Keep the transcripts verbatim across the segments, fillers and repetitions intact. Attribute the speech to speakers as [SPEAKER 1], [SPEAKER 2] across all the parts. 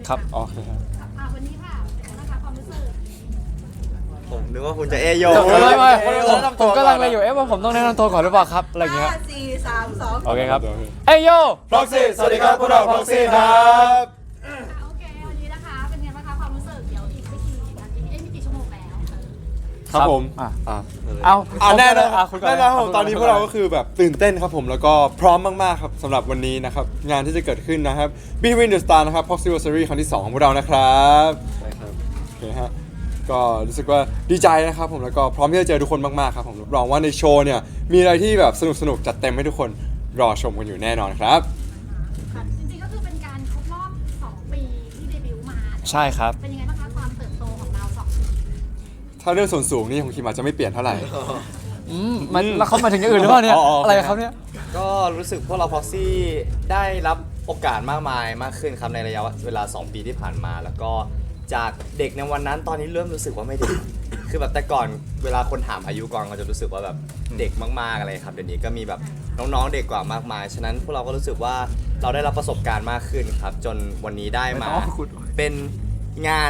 [SPEAKER 1] ครับโอเคครับ
[SPEAKER 2] อ่ะวันนี้ค่ะเป็นไงบ้างคะความรู้สึก
[SPEAKER 3] ผมนึกว่าคุณจะเอโย
[SPEAKER 1] ไม่ไม่ผมผมกำลังเลยอยู่เอ๊ะว่าผมต้องแนะนำตัวก่อนหรือเปล่าครับอะไรอย่างเงี้ย
[SPEAKER 4] ห้าสี่สามสอง
[SPEAKER 1] โอเคครับเอ้ยโย
[SPEAKER 5] Proxy สวัสดีครับพวกเรา Proxy ครับ
[SPEAKER 2] อ่ะโอเควันนี้นะคะเป็นไงบ้างคะความรู้สึกเดี๋ยวอีกไม่กี่นาทีเอ้ยไม่กี่ชั่วโมงแล้ว
[SPEAKER 5] ครับผม
[SPEAKER 1] อ่ะ
[SPEAKER 5] อ่ะ
[SPEAKER 1] เอา
[SPEAKER 5] อ่าแน่นอน
[SPEAKER 1] อ่ะคุณก่
[SPEAKER 5] แน่นอนครับ
[SPEAKER 1] คุณ
[SPEAKER 5] ตอนนี้พวกเราก็คือแบบตื่นเต้นครับผมแล้วก็พร้อมมากๆครับสำหรับวันนี้นะครับงานที่จะเกิดขึ้นนะครับ Between the Star นะครับ Proxyversary ครั้งที่สองของพวกเรานะครับใช่ครับโอเคฮะก็รู้สึกว่าดีใจนะครับผมแล้วก็พร้อมที่จะเจอทุกคนมากๆครับผมรับรองว่าในโชว์เนี่ยมีอะไรที่แบบสนุกๆจัดเต็มให้ทุกคนรอชมกันอยู่แน่นอนครับ
[SPEAKER 2] ค่ะจริงๆก็คือเป็นการครบรอบสองปีที่เดบิวต์มา
[SPEAKER 1] ใช่ครับ
[SPEAKER 2] เป็นยังไงบ้างคะความเติบโตของเราสองปี
[SPEAKER 5] ถ้าเรื่องส่วนสูงนี่ของคิมอาจจะไม่เปลี่ยนเท่าไหร่
[SPEAKER 1] อืมมันแล้วเขามาถึงอย่างอื่นหรือเปล่าเนี่ย
[SPEAKER 5] อ๋ออ๋ออ
[SPEAKER 1] อะไรครับเนี่ย
[SPEAKER 3] ก็รู้สึกพวกเรา Proxy ได้รับโอกาสมากมายมากขึ้นครับในระยะเวลา สอง ปีที่ผ่านมา แล้วก็จากเด็กในวันนั้นตอนนี้เริ่มรู้สึกว่าไม่เด็ก คือแบบแต่ก่อนเวลาคนถามอายุก่อนก็จะรู้สึกว่าแบบเด็กมากๆอะไรครับเดี๋ยวนี้ก็มีแบบน้องๆเด็กกว่ามากมาย ฉะนั้นพวกเราก็รู้สึกว่าเราได้รับประสบการณ์มากขึ้นครับ จนวันนี้ได้มาเป็นงาน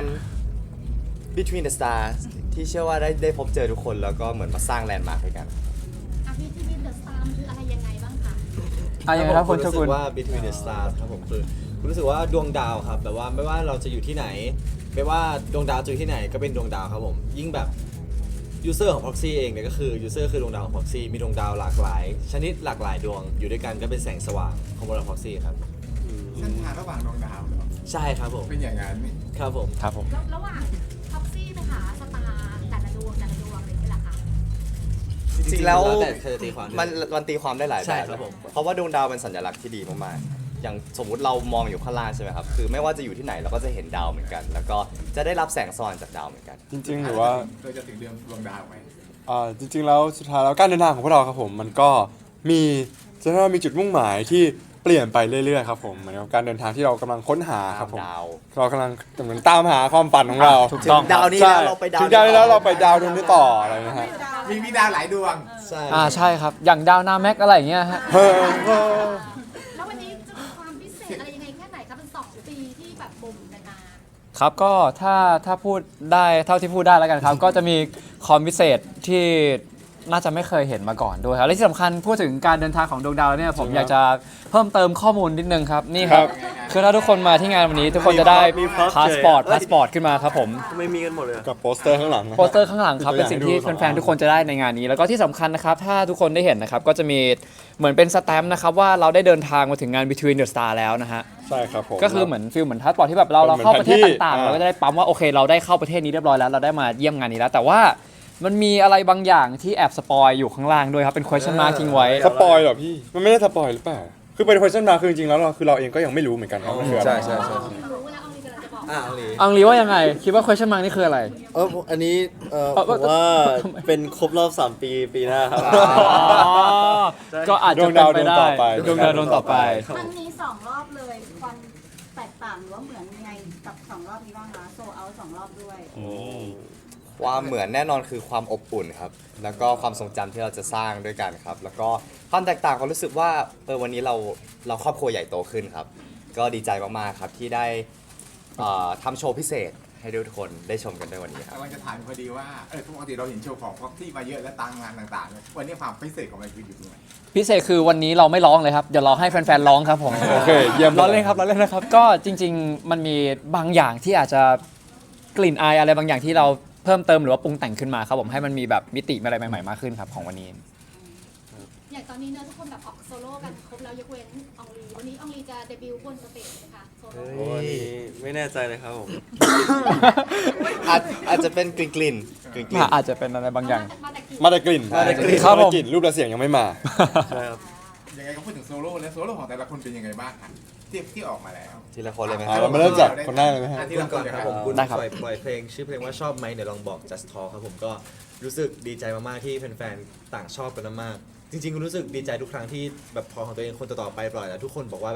[SPEAKER 3] Between the Stars ที่เชื่อว่าได้ได้พบเจอทุกคนแล้วก็เหมือนมาสร้างแลนด์มาร์คด้วยกัน
[SPEAKER 2] อ่ะพี่ที่มินเดอะสตาร์คืออะไรยังไงบ้างคะ
[SPEAKER 1] อ่ะยังไงครับคุณ
[SPEAKER 6] รู้
[SPEAKER 1] เจ้า
[SPEAKER 6] สึ
[SPEAKER 1] คุณ
[SPEAKER 6] กว่า Between the Stars ครับผมคือคุณรู้สึกว่าดวงดาวครับแบบว่าไม่ว่าเราจะอยู่ที่ไหน ไม่ว่าดวงดาวจะอยู่ที่ไหนก็เป็นดวงดาวครับผมยิ่งแบบยูเซอร์ของ Proxy เองเนี่ยก็คือยูเซอร์คือดวงดาวของ Proxy มีดวงดาวหลากหลาย ชนิดหลากหลายดวงอยู่ด้วยกันก็เป็นแสงสว่างของบน Proxy ครับ
[SPEAKER 7] เส้นทางระหว่างดวงดาวเหรอ
[SPEAKER 6] ใช่ครับผม
[SPEAKER 7] เป็นอย่างนั้น
[SPEAKER 6] ครับผม
[SPEAKER 1] ครับผม
[SPEAKER 2] แล้วระหว่างท็อปซี่ไปหาสตาร์แต่ละดวงแต่ละดวงอะไรอย่างเงี้ยเหรอคะ
[SPEAKER 3] จริงๆแล้ว
[SPEAKER 6] แต่ใครจะตีความ
[SPEAKER 3] มันมันตีความได้หลาย
[SPEAKER 6] ใช่
[SPEAKER 3] แบบ
[SPEAKER 6] ครับผม
[SPEAKER 3] เพราะว่าดวงดาวเป็นสัญลักษณ์ที่ดีมากๆอย่างสมมุติเรามองอยู่ข้างล่างใช่ไหมครับคือไม่ว่าจะอยู่ที่ไหนเราก็จะเห็นดาวเหมือนกัน แล้วก็จะได้รับแสงสว่างจากดาวเหมือนกัน
[SPEAKER 5] จริงๆหรือว่า
[SPEAKER 7] เราจะถึงเดือนดวงดาวไหม
[SPEAKER 5] อ่าจริงๆแล้วสุดท้ายแล้วการเดินทางของพวกเราครับผมมันก็มีจะเรียกว่ามีจุดมุ่งหมายที่เปลี่ยนไปเรื่อยๆครับผมเหมือนกับการเดินทางที่เรากำลังค้นหาครับผม
[SPEAKER 3] ดาว
[SPEAKER 5] เรากำลังเหมือนตามหาความฝันของเรา
[SPEAKER 1] ถูกต้อง
[SPEAKER 3] ดาวนี้
[SPEAKER 5] ใช่
[SPEAKER 3] แล้วเราไปดาว
[SPEAKER 5] ถึงดาวนี้แล้วเราไปดาวดวงนี้ต่ออะไรนะฮะ
[SPEAKER 7] มีมีดาวหลายดวง
[SPEAKER 6] ใช่
[SPEAKER 1] อ่าใช่ครับอย่างดาวนาแม็กอะไรอย่างเงี้ยฮะ
[SPEAKER 5] เฮ้ย
[SPEAKER 2] แล้ววันนี้จะมีความพิเศษอะไรยังไงแค่ไหนคะเป็นสองปีที่แบบบ่มกันมา
[SPEAKER 1] ครับก็ถ้าถ้าพูดได้เท่าที่พูดได้แล้วกันครับ ก็จะมีคอมพิเศษที่น่าจะไม่เคยเห็นมาก่อนด้วยครับและที่สำคัญพูดถึงการเดินทางของดวงดาวเนี่ยผมอยากจะเพิ่มเติมข้อมูลนิดนึงครับนี่ครับคือถ้าทุกคนมาที่งานวันนี้ทุกคนจะได้พาสปอร์ตพาสปอร์ตขึ้นมาครับผม
[SPEAKER 3] ไม่มีกันหมดเลย
[SPEAKER 5] กับโปสเตอร์ข้างหลังนะ
[SPEAKER 1] โปสเตอร์ข้างหลังครับ เป็นสิ่งที่แฟนๆทุกคนจะได้ในงานนี้ แล้วก็ที่สำคัญนะครับ ถ้าทุกคนได้เห็นนะครับ ก็จะมีเหมือนเป็นสแตมป์นะครับว่าเราได้เดินทางมาถึงงาน Between the Star แล้วนะฮะ
[SPEAKER 5] ใช่ครับผม
[SPEAKER 1] ก็คือเหมือนฟิลเหมือนพาสปอร์ตที่แบบเราเราเข้าประเทศต่างๆ
[SPEAKER 5] อ่า
[SPEAKER 1] เราก็จะได้ปั๊มว่าโอเคเราได้เข้าประเทศนี้เรียบร้อยแล้วเราได้มาเยี่ยมงานนี้แล้ว แต่ว่ามันมีอะไรบางอย่างที่แอบสปอยอยู่ข้างล่างด้วยครับเป็น question mark ทิ้งไว้
[SPEAKER 5] สปอยเหรอพี่มันไม่ได้สปอยหรือเปล่าคือเป็น question mark คือจริงๆแล้วเราคือเราเองก็ยังไม่รู้เหมือนกันครับว่าคืออะไร
[SPEAKER 6] ใช่ใช่ใช่
[SPEAKER 2] รู้แล้วเอาลีกำลังจะบอก
[SPEAKER 6] อ่าเอาเลย
[SPEAKER 1] อังลีว่ายังไงคิดว่า question mark นี่คืออะไร
[SPEAKER 8] เอออันนี้เออ
[SPEAKER 1] เอ่อ
[SPEAKER 8] ผมว่า
[SPEAKER 1] ทำไม
[SPEAKER 8] เป็นครบรอบสามปีปีหน้าครับ
[SPEAKER 1] ก็อาจจะเป็นไปได้ดวงดาวดวงต่อไป
[SPEAKER 4] ครั้งนี้สองรอบเลยความแตกต่างหรือว่าเหมือนยังไงกับสองรอบนี้บ้างคะโซเอาสองรอบด้วย
[SPEAKER 3] ความเหมือนแน่นอนคือความอบอุ่นครับ แล้วก็ความทรงจำที่เราจะสร้างด้วยกันครับ แล้วก็ความแตกต่างความรู้สึกว่าเออวันนี้เราเราครอบครัวใหญ่โตขึ้นครับ ก็ดีใจมากๆครับที่ได้เอ่อทำโชว์พิเศษให้ทุกคนได้ชมกันด้วยวันนี้ครับ
[SPEAKER 7] กำลังจะถามพอดีว่าเออปกติเราเห็นโชว์ของพ็อกที่มาเยอะและตามงานต่างๆ วันนี้ความพิเศษของมันคืออยู่ตรงไหน
[SPEAKER 1] พิเศษคือวันนี้เราไม่ร้องเลยครับ เดี๋ยวเราให้แฟนๆร้องครับผม
[SPEAKER 5] โอเคเยี่ยม
[SPEAKER 1] ร้องเล่นครับร้องเล่นนะครับ ก็จริง ๆ มันมีบางอย่างที่อาจจะกลิ่นอายอะไรบางอย่างที่เราเพิ่มเติมหรือว่าปรุงแต่งขึ้นมาครับผมให้มันมีแบบมิติอะไรใหม่ๆมากขึ้นครับของวันนี้
[SPEAKER 2] อย่างตอนนี้เนอะทุกคนแบบออกโซโล่กันครบแล้วยกเว้นอองลีวันนี้อองลีจะเดบิวต์บนสเตจไหมคะโซโล่
[SPEAKER 8] โอ้อันนี้ไม่แน่ใจเลยครับผม
[SPEAKER 3] อาจอาจจะเป็นกลิ่นกลิ่นกลิ่นกลิ่น
[SPEAKER 1] อาจจะเป็นอะไรบางอย่าง
[SPEAKER 2] มาแต่กี่
[SPEAKER 5] มาแต่กลิ่น
[SPEAKER 8] มาแต่กลิ่น
[SPEAKER 1] ครับผม
[SPEAKER 5] มาแต่กลิ่นรูปและเสียงยังไม่มา
[SPEAKER 8] ใช่ครับ
[SPEAKER 7] ยังไงก็พูดถึงโซโล่แล้วโซโล่ของแต่ละคนเป็นยังไงบ้างครับที่ที่ออกมาแล้ว
[SPEAKER 3] ทีละคนเลยไหมค
[SPEAKER 5] อ่ะ
[SPEAKER 3] รับ
[SPEAKER 5] เรามาเริ่มจากคนแรกเลยไหมฮะ
[SPEAKER 7] อ่ะที
[SPEAKER 6] คุ
[SPEAKER 7] ละ
[SPEAKER 6] ณ
[SPEAKER 7] ค
[SPEAKER 6] ก่อน น
[SPEAKER 7] เลย
[SPEAKER 6] ค
[SPEAKER 7] ค
[SPEAKER 6] รั
[SPEAKER 7] รั
[SPEAKER 6] บบ ผมคุณ
[SPEAKER 1] ได้ครับ
[SPEAKER 6] ปล่อยปล่อยเพลงชื่อเพลงว่าชอบไหมเดี๋ยวลองบอก just talk ครับผมก็รู้สึกดีใจมากๆที่แฟนๆต่างชอบกันมากๆจริงๆรู้สึกดีใจทุกครั้งที่แบบพอของตัวเองคนต่อๆไปปล่อยแล้วทุกคนบอกว่าแบบ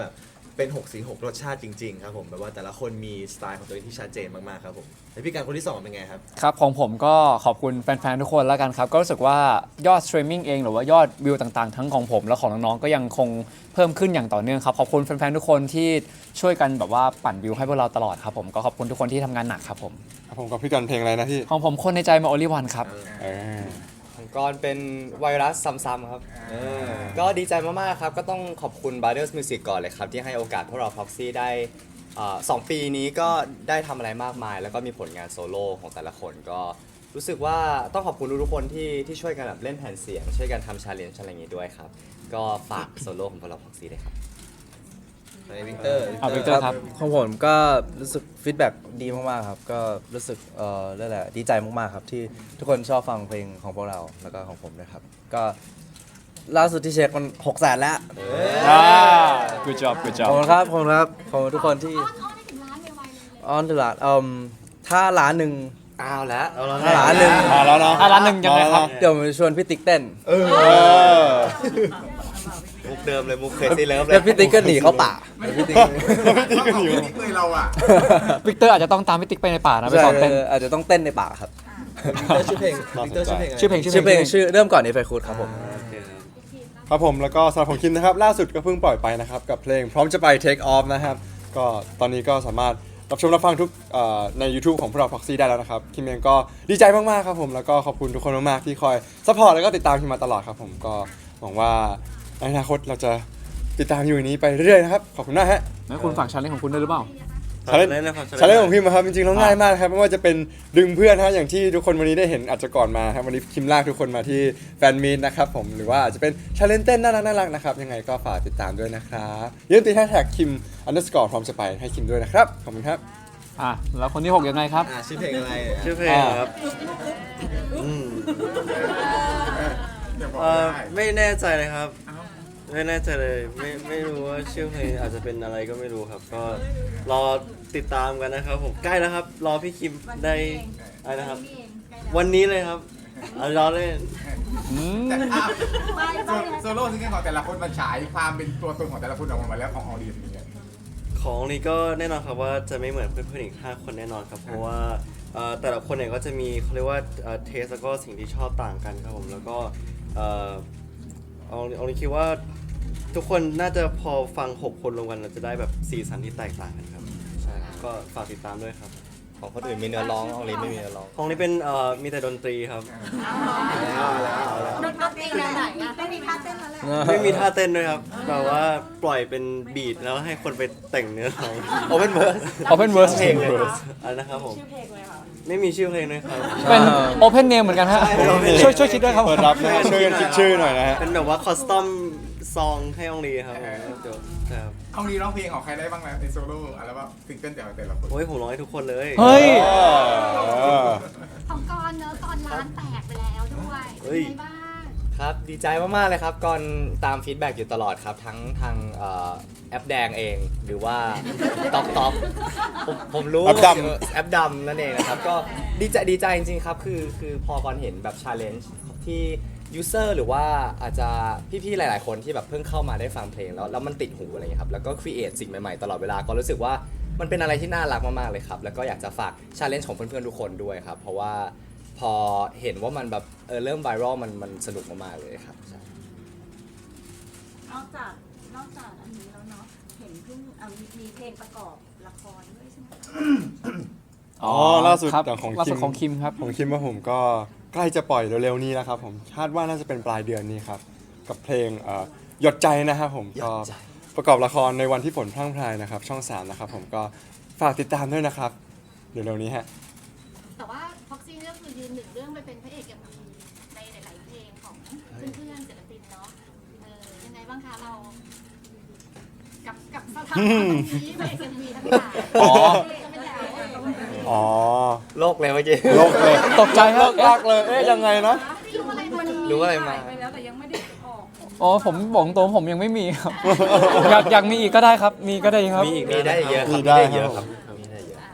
[SPEAKER 6] เป็นหกสีหกรสชาติจริงๆครับผมแบบว่าแต่ละคนมีสไตล์ของตัวเองที่ชัดเจนมากๆครับผมแล้วพี่การคนที่สองเป็นไงครับ
[SPEAKER 1] ครับของผมก็ขอบคุณแฟนๆทุกคนแล้วกันครับ ก็รู้สึกว่ายอดสตรีมมิ่งเองหรือว่ายอดวิวต่างๆทั้งของผมและของน้องๆก็ยังคงเพิ่มขึ้นอย่างต่อเนื่องครับขอบคุณแฟนๆทุกคนที่ช่วยกันแบบว่าปั่นวิวให้พวกเราตลอดครับผมก็ขอบคุณทุกคนที่ทำงานหนักครับผม
[SPEAKER 5] ครับผมกับพี่กันเพลงอะไรนะพี่
[SPEAKER 1] ของผมคนในใจมาโอลิวันครับ
[SPEAKER 5] เออ
[SPEAKER 3] ของกรเป็นไวรัสซ้ำๆครับ
[SPEAKER 6] เออ
[SPEAKER 3] ก็ดีใจมากๆครับ ก็ต้องขอบคุณ Brothers Music ก่อนเลยครับ ที่ให้โอกาสพวกเรา Proxy ได้เอ่อสองปีนี้ก็ได้ทำอะไรมากมาย แล้วก็มีผลงานโซโล่ของแต่ละคนก็รู้สึกว่าต้องขอบคุณทุกๆคนที่ที่ช่วยกันแบบเล่นแผ่นเสียง ช่วยกันทำชาเลนจ์อะไรอย่างงี้ด้วยครับ ก็ฝากโซโล่ของพวกเรา Proxy เลยครับ
[SPEAKER 6] ในวิกเตอร์
[SPEAKER 1] เอา Victor ครับ
[SPEAKER 9] ของผมก็รู้สึกฟีดแบ็กดีมากๆครับ ก็รู้สึกเอ่อเรียกอะไรดีใจมากๆครับ ที่ทุกคนชอบฟังเพลงของพวกเราแล้วก็ของผมด้วยครับ ก็ล่าสุดที่เช็คมันหกแสนแล้ว
[SPEAKER 1] อ่า good job good
[SPEAKER 9] ข
[SPEAKER 1] job
[SPEAKER 9] อบคุณครับขอบคุณครับขอบคุณทุกคนที่
[SPEAKER 2] อ้อนอ้อนให้ถึงล้านไวๆเลย
[SPEAKER 9] ออนตลาดเอ่มถ้าล้านหนึ่ง
[SPEAKER 3] อ้าวแล้ว
[SPEAKER 9] ถ้าล้านหนึ่ง
[SPEAKER 5] มาแล้วเนาะ
[SPEAKER 1] อ่ะร้านหนึ่งยังไงครับ
[SPEAKER 9] เดี๋ยวผมจะชวนพี่ติ๊กเต้น
[SPEAKER 5] เออ
[SPEAKER 3] มุกเดิมเลยมุกเคยซีเลิฟเล
[SPEAKER 9] แล้ว
[SPEAKER 3] ย
[SPEAKER 9] พี่ติ๊กก็หนีเข้าป่า
[SPEAKER 7] ไม่
[SPEAKER 9] แล้ว
[SPEAKER 7] พี่
[SPEAKER 9] พี่
[SPEAKER 7] ติ๊
[SPEAKER 9] ติ๊
[SPEAKER 7] ก
[SPEAKER 9] ก
[SPEAKER 7] ไม่เคยเราอ่ะ
[SPEAKER 1] วิกเตอร์อาจจะต้องตามพี่ติ๊กไปในป่านะไป
[SPEAKER 9] ใช่
[SPEAKER 1] สอนเต้น
[SPEAKER 9] อาจจะต้องเต้นในป่าครับ
[SPEAKER 6] วิกเตอร์ชื่อเพลงวิกเตอร์ชื่อเพลงอะไร
[SPEAKER 1] ชื่อเพลง
[SPEAKER 9] ชื่อเพลงชื่อเริ่มก่อนในไฟคูดครับผม
[SPEAKER 8] โอเคครับ
[SPEAKER 5] ครับผมแล้วก็สำหรับของคิมนะครับล่าสุดก็เพิ่งปล่อยไปนะครับกับเพลงพร้อมจะไป Take Off นะครับก็ตอนนี้ก็สามารถรับชมรับฟังทุกเอ่อใน YouTube ของพวกเรา Proxy ได้แล้วนะครับคิมเองก็ดีใจมากๆครับผมแล้วก็ขอบคุณทุกคนมากๆที่คอยซัพพอร์ตแล้วก็ติดตามคิมมาตลอดครับผมก็หวังว่าในอนาคตเราจะติดตามอยู่อย่างนี้ไปเรื่อยๆนะครับขอบคุณมากฮะ
[SPEAKER 1] แล้วคุณฝากชาเลนจ์ของคุณด้วยหรือเปล่า
[SPEAKER 5] ชาเลนจ์
[SPEAKER 8] ชาเลนจ์นะครับ
[SPEAKER 5] ชาเลนจ์ของพิมพ์ครับจริงๆแล้วง่ายมากครับไม่ว่าจะเป็นดึงเพื่อนฮะอย่างที่ทุกคนวันนี้ได้เห็นอาจจะก่อนมาครับวันนี้คิมลากทุกคนมาที่แฟนมีตนะครับผมหรือว่าอาจจะเป็นชาเลนจ์เต้นน่ารักน่ารักนะครับยังไงก็ฝากติดตามด้วยนะครับอย่าลืมติดแฮชแท็กคิมอันเดอร์สกอร์พร้อมจะไปให้คิมด้วยนะครับขอบคุณครับ
[SPEAKER 1] อ่ะแล้วคนที่หกยังไงครับ
[SPEAKER 6] อ่าชื่อเพลงอะไรเนี่ย
[SPEAKER 8] ชื่อเพลงครับอืม
[SPEAKER 7] เดี๋ยวบอก
[SPEAKER 8] เอ่อ
[SPEAKER 7] ได้
[SPEAKER 8] ไม่แน่ใจเลยครับ
[SPEAKER 7] เอ้า
[SPEAKER 8] ไม่แน่ใจเลยไม่ไม่รู้ว่าชื่อเพลงอาจจะเป็นอะไรก็ไม่รู้ครับ ก็รอติดตามกันนะครับผมใกล้แล้วครับ รอพี่คิมได้อะไรนะครับ
[SPEAKER 4] นี่เองใกล้แล้ว
[SPEAKER 8] วันนี้เลยครับเอารอเล่น
[SPEAKER 1] อืม
[SPEAKER 7] แต่อ้าว
[SPEAKER 4] ไปไป
[SPEAKER 7] โซโล่ซิงเกิลของแต่ละคนมันฉายความเป็นตัวตนของแต่ละคนออกมาแล้วของออเดียนเป็นยังไง
[SPEAKER 8] ของนี้ก็แน่นอนครับว่าจะไม่เหมือนเพื่อนๆอีกห้าคนแน่นอนครับ เพราะว่าเอ่อแต่ละคนเนี่ยก็จะมีเขาเรียกว่าเทสแล้วก็สิ่งที่ชอบต่างกันครับผมแล้วก็เอ่อเอาเอานี้คิดว่าทุกคนน่าจะพอฟังหกคนรวมกันเราจะได้แบบสีสันที่แตกต่างกันครับใช่ครับก็ฝากติดตามด้วยครับ
[SPEAKER 3] ของคนอื่นมีเนื้อร้องของลินไม่มีเนื้อร้อง
[SPEAKER 8] ของนี้เป็นเอ่อมีแต่ดนตรีครับ
[SPEAKER 4] ดนตรีแนวไหนอ่ะไม่มีท่าเต้นแล้วแหละ
[SPEAKER 8] ไม่มีท่าเต้นด้วยครับแต่ว่าปล่อยเป็นบีทแล้วให้คนไปแต่งเนื้อร้อง
[SPEAKER 3] โอเ n นเวิร์ส
[SPEAKER 1] Open Verse
[SPEAKER 3] เพลงเลย
[SPEAKER 8] อะไรนะครับผมไม่มีชื่อเพลงด้วยครับ
[SPEAKER 1] เป็น Open Name เหมือนกันฮะช่วยช่วยคิดด้วยครับ
[SPEAKER 5] เปิดรับนะฮะช่วยกันคิดชื่อหน่อยนะฮะ
[SPEAKER 8] เป็นแบบว่าคอสตอมซองให้องลีครับผมเดี๋ยวครับ
[SPEAKER 7] เอาดีร้องเพลงของใครได้บ้างแล้วในโซโล่อัลบั้มซิงเกิลแต่ละแต่ละคน
[SPEAKER 8] โอ้ยผมร้องให้ทุกคนเลย
[SPEAKER 1] เฮ้ย
[SPEAKER 5] เออ
[SPEAKER 2] ของกรเนอะกรล้านแตกไปแล้วด้วยเป็นไงบ้าง
[SPEAKER 3] ครับดีใจมาก ๆ เลยครับก่อนตามฟีดแบ็กอยู่ตลอดครับ ทั้งทางเอ่อแอปแดงเอง หรือว่าต็อกต็อกผมผมรู้
[SPEAKER 5] แอปดำ
[SPEAKER 3] แอปดำนั่นเองนะครับ ก็ดีใจดีใจจริง ๆ ครับ คือคือพอก่อนเห็นแบบชาเลนจ์ที่ยูเซอร์หรือว่าอาจจะพี่ ๆ หลาย ๆ คนที่แบบเพิ่งเข้ามาได้ฟังเพลงแล้วแล้วมันติดหูอะไรอย่างเงี้ยครับ แล้วก็ครีเอทสิ่งใหม่ ๆ ตลอดเวลาก็รู้สึกว่ามันเป็นอะไรที่น่ารักมาก ๆ เลยครับ แล้วก็อยากจะฝากชาเลนจ์ของเพื่อน ๆ ทุกคนด้วยครับ เพราะว่าพอเห็นว่ามันแบบเออเริ่มไวรัลมันมันสนุกมาก ๆ เลยครับ
[SPEAKER 4] นอกจากนอกจากอันนี้แล้วเนาะเห็นเพิ่งอ่ะมีมีเพลงประกอบละครด้วยใช่ไหม
[SPEAKER 5] อ๋อล่าสุด
[SPEAKER 1] ครับ
[SPEAKER 5] แต่ของ
[SPEAKER 1] ล่า
[SPEAKER 5] คิ
[SPEAKER 1] สุด
[SPEAKER 5] ม
[SPEAKER 1] ของคิมครับ
[SPEAKER 5] ผมคิดว่าผมก็ใกล้จะปล่อยเร็วๆนี้แล้วครับผมคาดว่าน่าจะเป็นปลายเดือนนี้ครับกับเพลงเอ่อหยดใจนะครับผม
[SPEAKER 3] หย
[SPEAKER 5] ก็
[SPEAKER 3] ดใจ
[SPEAKER 5] ประกอบละครในวันที่ฝนพรั่งพรายนะครับช่องสามนะครับผมก็ฝากติดตามด้วยนะครับเดี๋ยวเร็วนี้ฮะ
[SPEAKER 2] แต่ว่าพ็อกซี่ก็คือยืนหนึ่งเรื่องไปเป็นพระเอกเอ็มวีในหลาย ๆ เพลงของเพื่อนๆศิลปินเนาะเออยังไงบ้างคะเรา กับกับสถานะนี้พระเอกเอ็มวีทั้งหลาย
[SPEAKER 1] อ๋อ
[SPEAKER 2] จะเป็นแล้ว
[SPEAKER 5] อ๋อ
[SPEAKER 3] โลกเลยเมื่อกี้
[SPEAKER 5] โลกเลย
[SPEAKER 1] ตกใจครับ
[SPEAKER 5] ลากเลยเอ๊ะยังไงนะ
[SPEAKER 2] รู้อะไรมัน
[SPEAKER 3] รู้อะไรมา
[SPEAKER 1] อ๋อผมบอกตรงผมยังไม่มีครับ อยากอยากมีอีกก็ได้ครับ มีก็ได้ครับ
[SPEAKER 3] มีอีกมีได้เยอะครับ
[SPEAKER 5] มี
[SPEAKER 3] มี
[SPEAKER 5] ได้
[SPEAKER 3] ได้เยอะ
[SPEAKER 5] ค
[SPEAKER 3] ค
[SPEAKER 5] รั
[SPEAKER 3] รับ บมีได้เยอะ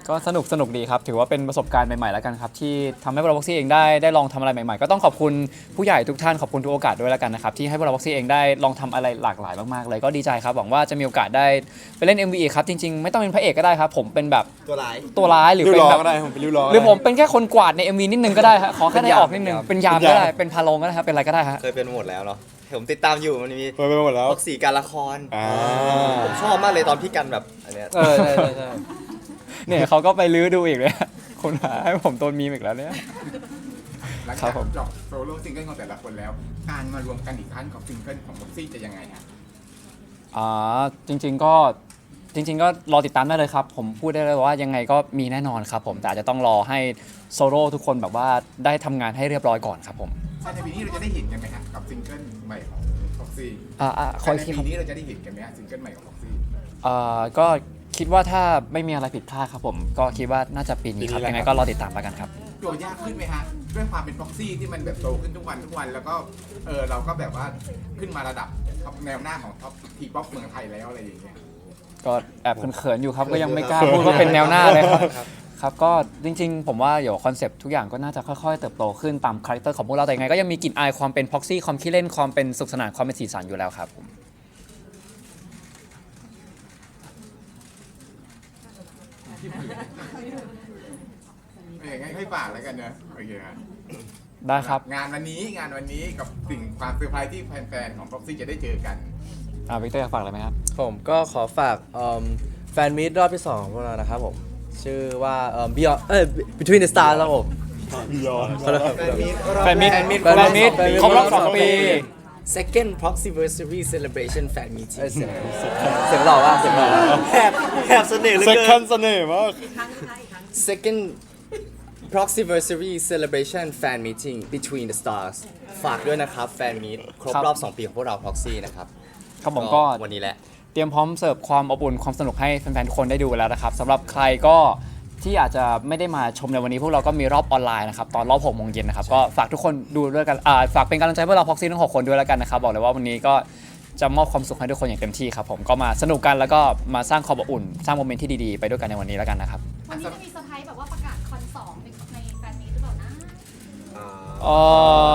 [SPEAKER 1] ก็สนุกสนุกดีครับถือว่าเป็นประสบการณ์ใหม่ๆแล้วกันครับที่ทำให้พวกเราบ็อกซี่เองได้ได้ลองทำอะไรใหม่ๆก็ต้องขอบคุณผู้ใหญ่ทุกท่านขอบคุณทุกโอกาสด้วยแล้วกันนะครับที่ให้พวกเราบ็อกซี่เองได้ลองทำอะไรหลากหลายมากๆเลยก็ดีใจครับหวังว่าจะมีโอกาสได้ไปเล่น เอ็ม วี อีกครับจริงๆไม่ต้องเป็นพระเอกก็ได้ครับผมเป็นแบบ
[SPEAKER 6] ตัวร้าย
[SPEAKER 1] ตัวร้ายหรือ
[SPEAKER 5] ริ้ว
[SPEAKER 1] เป็น
[SPEAKER 5] ล้อ
[SPEAKER 1] แบบ
[SPEAKER 5] ก็ได้ผมเป็นริ้วล้อ
[SPEAKER 1] หรือผมเป็นแค่คนกวาดใน เอ็ม วี นิดนึงก็ได้ฮะขอแค่ได้ออกนิดนึง
[SPEAKER 3] เป็
[SPEAKER 1] เป็น
[SPEAKER 3] น
[SPEAKER 1] ยาย
[SPEAKER 3] าม ม
[SPEAKER 1] ก็ได้เป็นพาโลงก็ได้ครับเป็นอะไรก็ได้ฮะ
[SPEAKER 3] เคยเป็นหมดแล้วเนาะผมติดตามอยู่มันมี
[SPEAKER 5] เปิดไปหมดแล้ว
[SPEAKER 3] พ็อกซี่การละคร
[SPEAKER 5] อ่า
[SPEAKER 3] ผมชอบมากเลยตอนพี่กันแบบอันเนี้ย
[SPEAKER 1] เออใช่ใช่ใช่เนี่ยเขาก็ไปลื้อดูอีกเลยคุณหาให้ผมโดนมีมอีกแล้วเนี่ย
[SPEAKER 7] หลัง
[SPEAKER 1] ครั
[SPEAKER 7] จาก
[SPEAKER 1] บผม
[SPEAKER 7] จบโซโล่ซิงเกิลของแต่ละคนแล้ว การมารวมกันอีกครั้งของซิงเกิลของบ็อกซี่จะยังไงฮะ
[SPEAKER 1] อ่าจริงๆก็จริง ๆ ก็รอติดตามได้เลยครับ ผมพูดได้เลยว่ายังไงก็มีแน่นอนครับผมแต่อาจจะต้องรอให้โซโล่ทุกคนแบบว่าได้ทำงานให้เรียบร้อยก่อนครับผม
[SPEAKER 7] ในปีนี้เราจะได้เห็นกันไหมฮะกับซิงเกิลใหม่ของบ็อกซี่
[SPEAKER 1] อ่าอ่าขออีก
[SPEAKER 7] ใน
[SPEAKER 1] ทีค
[SPEAKER 7] ปี
[SPEAKER 1] รับ
[SPEAKER 7] นี้เราจะได้เห็นกันไหมฮะซิงเกิลใหม่ของบ็อกซี่
[SPEAKER 1] อ่าก็คิดว่าถ้าไม่มีอะไรผิดพลาดครับผมก็คิดว่าน่าจะปีนี้ครับ
[SPEAKER 5] ปีนี้แหละ
[SPEAKER 1] ยังไง
[SPEAKER 5] ครับ
[SPEAKER 1] ก็รอติดตามแล้วกันครับ
[SPEAKER 7] โจทย์ยากขึ้นไหมฮะด้วยความเป็นบ็อกซี่ที่มันแบบโตขึ้นทุกวันทุกวันแล้วก็เออเราก็แบบว่าขึ้นมาระดับท็อปแนวหน้าของท็อปทีป๊อปเมืองไทยแล้วอะไรอย่างเงี้ย
[SPEAKER 1] ก็แอบเขินๆอยู่ครับก็ยังไม่กล้าพูดว่าเป็นแนวหน้าเลยครับครับก็จริงๆ ผมว่าเดี๋ยวคอนเซปต์ทุกอย่างก็น่าจะค่อยๆเติบโตขึ้นตามคาแรคเตอร์ของพวกเราแต่ยังไงก็ยังมีกลิ่นอายความเป็นพ็อกซี่ความขี้เล่นความเป็นสุขสนานความเป็นสีสันอยู่แล้วครับผม
[SPEAKER 7] เอองั้นให้ฝากแล้วกันเนอะโอเคครับ
[SPEAKER 1] ได้ครับ
[SPEAKER 7] งานวันนี้งานวันนี้กับสิ่งความเซอร์ไพรส์ที่แฟนๆของบ็อกซี่จะได้เจอกัน
[SPEAKER 1] อ่าวิกเตอร์อยากฝากอะไรไหมครับ
[SPEAKER 9] ผมก็ขอฝากเอิ่มแฟนมีตรอบที่สองของพวกเรานะครับผม ชื่อว่าเอ่อ Beyond เอ้ย Between the Stars ครับผม
[SPEAKER 1] แฟนมิตร
[SPEAKER 3] แฟนมิตร
[SPEAKER 1] แฟนมิตรครบรอบสองปี
[SPEAKER 3] second proxyversary celebration fan meeting
[SPEAKER 9] เอ้ยเสียงเสียงหล่อว่ะเสียงหล่อว่ะ
[SPEAKER 6] แหบแหบเสน่ห์เหลือ
[SPEAKER 5] เซ็ก
[SPEAKER 6] เกิ
[SPEAKER 5] ชัน
[SPEAKER 6] น
[SPEAKER 5] เสน่ห์มาก
[SPEAKER 3] second proxyversary celebration fan meeting between the stars ฝากด้วยนะครับแฟนมีตครบ
[SPEAKER 1] ครับ
[SPEAKER 3] รอบ สอง ปีของพวกเรา Proxy นะครับ
[SPEAKER 1] ครับผมก็
[SPEAKER 3] วันนี้แหละ
[SPEAKER 1] เตรียมพร้อมเสิร์ฟความอบอุ่นความสนุกให้แฟนๆทุกคนได้ดูแล้วนะครับสำหรับใครก็ที่อาจจะไม่ได้มาชมในวันนี้พวกเราก็มีรอบออนไลน์นะครับตอนรอบหกโมงเย็นนะครับก็ฝากทุกคนดูด้วยกันอ่าฝากเป็นกำลังใจพวกเราพ็อกซี่ทั้งหกคนด้วยแล้วกันนะครับบอกเลยว่าวันนี้ก็จะมอบความสุขให้ทุกคนอย่างเต็มที่ครับผมก็มาสนุกกันแล้วก็มาสร้างความอบอุ่น สร้างโมเมนต์ที่ดีๆไปด้วยกันในวันนี้แล้วกันนะครับ
[SPEAKER 2] วันนี้จะมีเซอร์ไพรส์แบบว่าประกาศคอนสองในในแฟนมีตหรือเปล่านะ
[SPEAKER 1] อ๋อ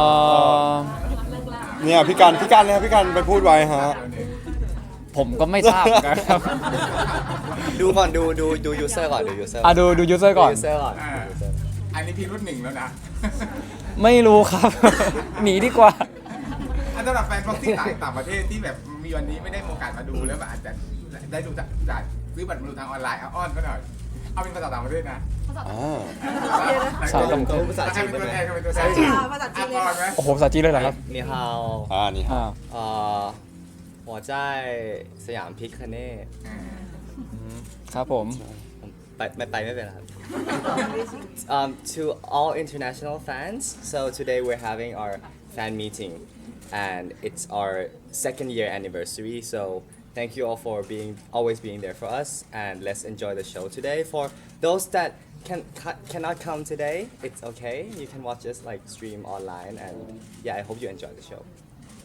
[SPEAKER 5] เนี่ยพี่กันพี่กันเลยครับพี่กันไปพูดไว้ฮะ
[SPEAKER 1] ผมก็ไม่ทราบนะครับ
[SPEAKER 3] ดูก่อนดูดูดู user ก่อนดู user
[SPEAKER 1] อ่ะดูดูยูเซอร์ก่อน
[SPEAKER 3] user ก่อน
[SPEAKER 7] อ่าอันนี้พี่รุ่นหนึ่งแล้วนะ
[SPEAKER 1] ไม่รู้ครับ หนีดีกว่า
[SPEAKER 7] อันสำหรับแฟนบ็อกซี่ต่างต่างประเทศที่แบบมีวันนี้ไม่ได้มีโอกาสมาดูแล้วมันอาจจะได้ดูจากจากซื้อบัตรมาดูทางออนไลน์เอาอ้อนก็หน่อย เอาเป็นภาษาต่างประเทศนะ
[SPEAKER 2] ภาษา
[SPEAKER 5] อ่า
[SPEAKER 1] ภาษาต่างประเทศ
[SPEAKER 6] ภาษาจีน
[SPEAKER 7] เป็น
[SPEAKER 6] ได้
[SPEAKER 7] ตัว
[SPEAKER 6] ไหม
[SPEAKER 7] แทนเป็นตัวแทน
[SPEAKER 4] ภาษาจีนเลย
[SPEAKER 7] อ่ะก่อนไหม
[SPEAKER 1] โอ้โหภาษาจีนเลยเหรอครับ
[SPEAKER 3] นี่ฮาว
[SPEAKER 5] อ่านี่ฮะ
[SPEAKER 1] อ่า
[SPEAKER 3] เอ่อหัวใจสยามพิคเน่
[SPEAKER 7] อ่า
[SPEAKER 1] ครับผม
[SPEAKER 3] ไปไม่ไปไม่เป็นไรครับ um, to all international fans so today we're having our fan meeting and it's our second year anniversary so thank you all for being always being there for us and let's enjoy the show today for those that can ca- cannot come today it's okay you can watch us like stream online and yeah I hope you enjoy the show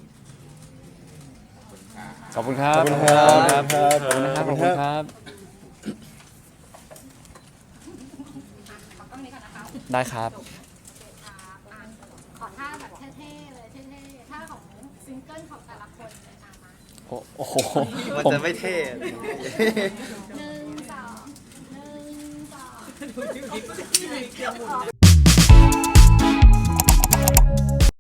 [SPEAKER 1] ขอบคุณครับ
[SPEAKER 5] ขอบคุณครับ
[SPEAKER 1] ขอบคุณครับ ขอบคุณครับ
[SPEAKER 2] ขอกล้องนี้ก่อนนะคะ
[SPEAKER 1] ได้ครับ
[SPEAKER 2] จบครับอ่ะขอท่าแบบเท่ๆเลยเท่ๆท่าของซิงเกิลของแต่ละคนเลยอ่ะมา
[SPEAKER 1] โอ้โห
[SPEAKER 3] มัน
[SPEAKER 1] ผม
[SPEAKER 3] จะไม่เท่
[SPEAKER 2] หนึ่งสองหนึ่งสอง